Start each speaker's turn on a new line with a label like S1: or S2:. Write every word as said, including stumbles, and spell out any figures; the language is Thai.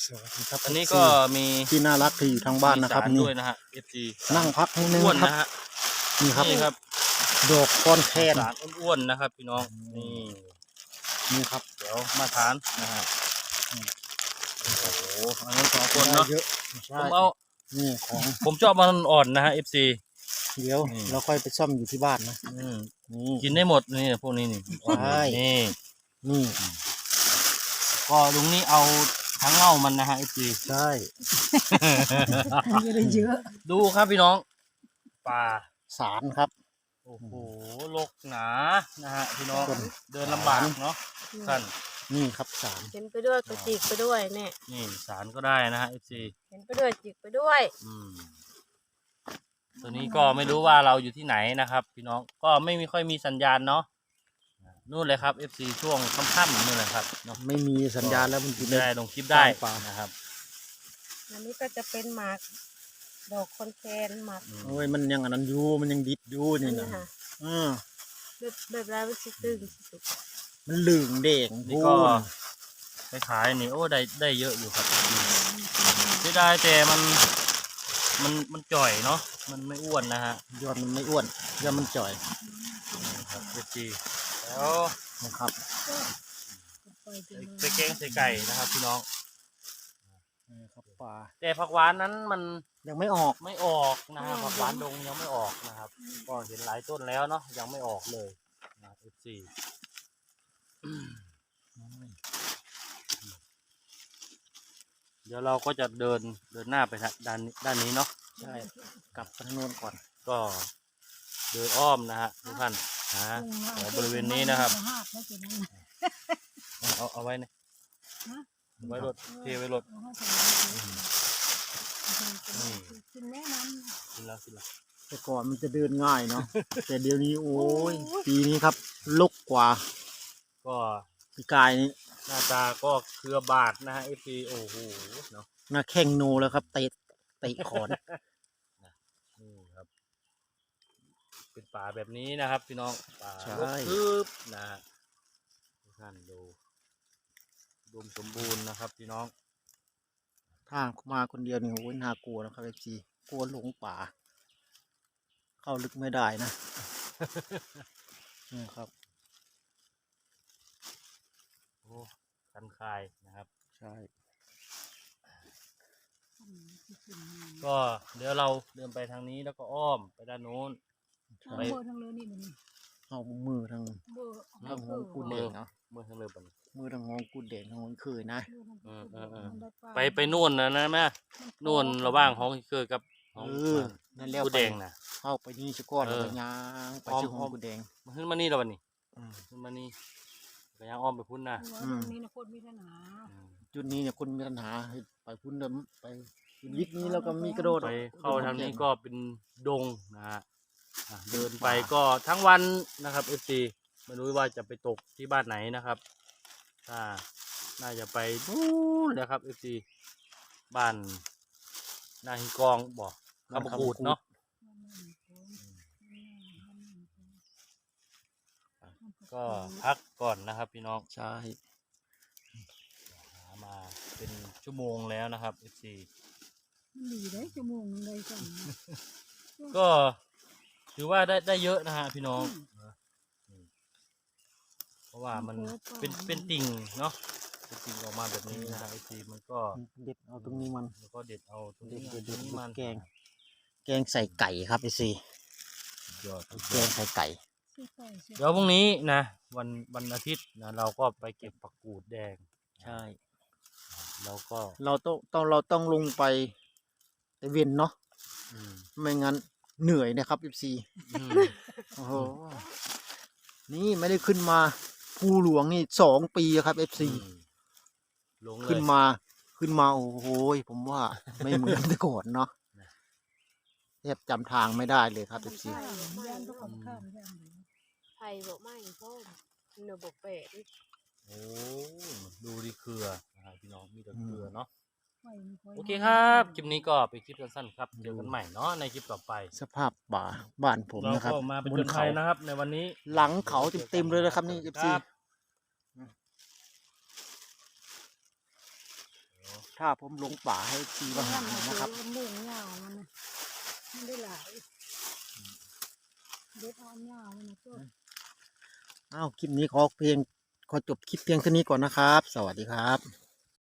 S1: สวัสดีครับ
S2: อันนี้ก็มี
S1: ที่น่ารักที่อยู่ทางบ้านนะครับนี่
S2: ด้วยนะฮะ เอฟ ซี
S1: นั่งพักให้นึง
S2: อ้วน
S1: ครับ
S2: นะฮะ
S1: นี่ครับ
S2: นี่ครับ
S1: ดอกก้อนแคน
S2: สารอ้วนๆนะครับพี่น้องนี่
S1: นี่ครับ
S2: เดี๋ยวมาทานนะฮะโอ้โหอันนั้นสองคนเนาะ
S1: เยอะ
S2: ผมเอา
S1: นี่ของ
S2: ผมชอบมันอ่อนนะฮะ เอฟ ซี
S1: เดี๋ยว
S2: นี่
S1: เราค่อยไปซ่อมอยู่ที่บ้านนะ
S2: อืม
S1: นี่
S2: กินได้หมดนี่พวกนี้นี่
S1: ใช่
S2: นี่
S1: นี่
S2: ก็ลุงนี่เอาทั้งเง่ามันนะฮะ เอฟ ซี
S1: ใช่
S3: ไม่ได้เยอะ
S2: ดูครับพี่น้องป่า
S1: สารครับ
S2: โอ้โหรกหนานะฮะพี่น้อง
S1: ต้น
S2: เดินลำบากเนาะท่าน
S1: นี่ครับสาร
S3: เห็นไปด้วยก็จิกไปด้วยเนี่ย
S2: นี่สารก็ได้นะฮะ เอฟ ซี
S3: เห็นไปด้วยจิกไปด้วย
S2: อืมตัวนี้ก็ไม่รู้ว่าเราอยู่ที่ไหนนะครับ พี่น้องก็ไม่มีค่อยมีสัญญาณเนาะนู่นเลยครับ เอฟ ซี ช่วงค่ำๆนู่นเลยครับเนาะ
S1: ไม่มีสัญญาณแล้วมันอยู่ใน
S2: ได้ลงคลิปได้
S1: ป่า
S2: นะครับ
S3: อันนี้ก็จะเป็นหมากดอกคอนแคนหมาก
S2: อืม
S1: โอ้ยมันยังอันนั้นอยู่มันยังดิบอยู่
S3: อัน
S1: นี่
S3: นี้
S1: นะ
S3: ค่ะ
S1: อืม
S3: แบบแบบลายมันสิตึงสุด
S1: มันเหลืองแดง
S2: นี่
S1: พู
S2: ก็
S1: น
S2: ไปขายนี่โอ้ได้ได้เยอะอยู่ครับไม่ได้แต่มันมันมันจ่อยเนาะมันไม่อ้วนนะฮะ
S1: ยอดมันไม่อ้วนยอดมันจ่อย
S2: นี่ครับ เอฟ ซี แล้ว
S1: นะครับ
S3: ปล่อยไปเลย
S2: ไปแกงใส่ไก่นะครับ พี่น้อง
S1: นี่ครับป่า
S2: แต่ผักหวานนั้นมัน
S1: ยังไม่ออก
S2: ไม่ออกนะครับผักหวานดงยังไม่ออกนะครับ ก็เห็นหลายต้นแล้วเนาะยังไม่ออกเลยนะ เอฟ ซี เดี๋ยวเราก็จะเดินเดินหน้าไปทางด้านนี้ด้านนี้เนาะ
S1: ใช่กลับไปทางโน้นก่อน
S2: ก็เดินอ้อมนะฮะทุกท่านหาแถวบริเวณนี้นะครับ เอาเอาไว้เนี่ยไว้รถเทไว้รถนี่
S3: กินแน่นอน
S2: กินแล้วกินแล้ว
S1: แต่ก่อนมันจะเดินง่ายเนาะ แต่เดี๋ยวนี้โอ้ยปีนี้ครับลกกว่า
S2: ก็
S1: ปีกายนี้
S2: หน้าตาก็เครือบาทนะฮะเอฟซีโอ้โหเนาะ
S1: หน้าแข้งโนแล้วครับเตะเตะขอน
S2: นี่ครับ เป็นป่าแบบนี้นะครับ พี่น้องป่า
S1: ใช่
S2: รกทึบนะฮะทุกท่านดูรวมสมบูรณ์นะครับ พี่น้อง
S1: ถ้ามาคนเดียวนี่โอ้ยน่ากลัวนะครับเอฟซีกลัวหลงป่า เข้าลึกไม่ได้นะ นี่ครับ
S2: โอ้คันคายนะครับ
S1: ใช่
S2: ก็เดี๋ยวเราเดินไปทางนี้แล้วก็อ้อมไปด้านโน้น
S3: ไปเบอร์ทางเลยนี่มันนี่
S1: เอามือทาง
S3: เบอร์
S1: ทางหงกูดแดงเนาะ
S2: เมื่อทางเรือบัน
S1: มือทางหงกูดแดงทางหงเคยนะ
S2: เออเออเออ ไปไปนู่นนะนะแม่นู่นระหว่างห้องคือกับห้อง
S1: เออนั่นแล้ว
S2: กู
S1: ไป
S2: แดงนะ
S1: เข้าไปนี่สะก้อน
S2: เอ
S1: แล้ว
S2: อ
S1: ก็ย่างไป
S2: อ้อม
S1: ชื่อห
S2: อ้อง ม
S1: กูดแดง
S2: มาขึ้นมานี่แล้ววันนี้
S1: อืม
S2: ขึ้นมานี่ก็ยังอ้อมไปพุ่นนะ
S3: ตรงนี้นะโคตรมีปัญหา
S2: อืม
S1: จุดนี้เนี่ยคนมีปัญหาไปพุ่นเดิมไปยิดนี้แล้วก็มีกระโดด
S2: ไปเข้าทางนี้ก็เป็นดงนะฮะอ่ะเดินไปก็ทั้งวันนะครับเอฟซีไม่รู้ว่าจะไปตกที่บ้านไหนนะครับถ้าน่าจะไปนู่นนะครับเอฟซีบ้านนาฮิกองบอกคำพูดเนาะก็พักก่อนนะครับพี่น้อง
S1: ใช่
S2: หามาเป็นชั่วโมงแล้วนะครับเอฟซี
S3: มันดีได้ชั่วโมงนึงได้สั่ง
S2: ก็ถือว่าได้ได้เยอะนะฮะพี่น้องอืมเพราะว่ามันเป็นเป็นติ่งเนาะเป็นติ่งออกมาแบบนี้นะฮะเอฟซีมันก็
S1: เด็ดเอาตรงนี้มัน
S2: แล้วก็เด็ดเอาตรง
S1: เด็
S2: นี้
S1: ดเด็ด
S2: ต
S1: เด็
S2: รง
S1: ด
S2: นี้มัน
S1: แกง แกงใส่ไก่ครับไอซี
S2: ยอด
S1: แกงใส่ไก่
S2: เดี๋ยวพรุ่งนี้นะวันวันอาทิตย์นะเราก็ไปเก็บผักกูดแดง
S1: ใช่
S2: แล้วก็
S1: เราต้องต้องเราต้องลงไปตะเวนเนาะ
S2: อืม
S1: ไม่งั้นเหนื่อยนะครับเอฟซี
S2: อืม
S1: โอ้โหนี่ไม่ได้ขึ้นมาภูหลวงนี่สองปีครับเอฟซี
S2: อืมลงเลย
S1: ขึ้นมาขึ้นมาโอ้โหผมว่าไม่เหมือนแต่ก่อนเนาะแทบจำทางไม่ได้เลยครับเอฟซี
S3: ย่างก็ของข้ามย่าง
S4: ไผ่บอกไม่ส้มเนื้อบอกเป็ด
S2: โอ้ดูดิเครือนะครับพี่น้องมีแต่เครือเนาะ
S3: ไฟมันคอย
S2: โอเคครับคลิปนี้ก็เป็นคลิปสั้นๆครับเจอกันใหม่เนาะในคลิปต่อไป
S1: สภาพป่าบ้านผม
S2: เรา
S1: นะครับ
S2: ก็มาเป็น
S1: บ
S2: จ
S1: น
S2: นไท
S1: เขา
S2: ยนะครับ ในวันนี้
S1: หลังเขาเต็มๆเลยนะครับนี่เอฟซี
S2: ครับ
S1: ถ้าผมหลงป่าให้ทีมาหานะครับ
S3: มุ่งยาวมันนะมันได้หลายเด็ดอ่อนยาวมันนะตัว
S1: อ้าวคลิปนี้ขอเพียงขอจบคลิปเพียงเท่านี้ก่อนนะครับ สวัสดีครับ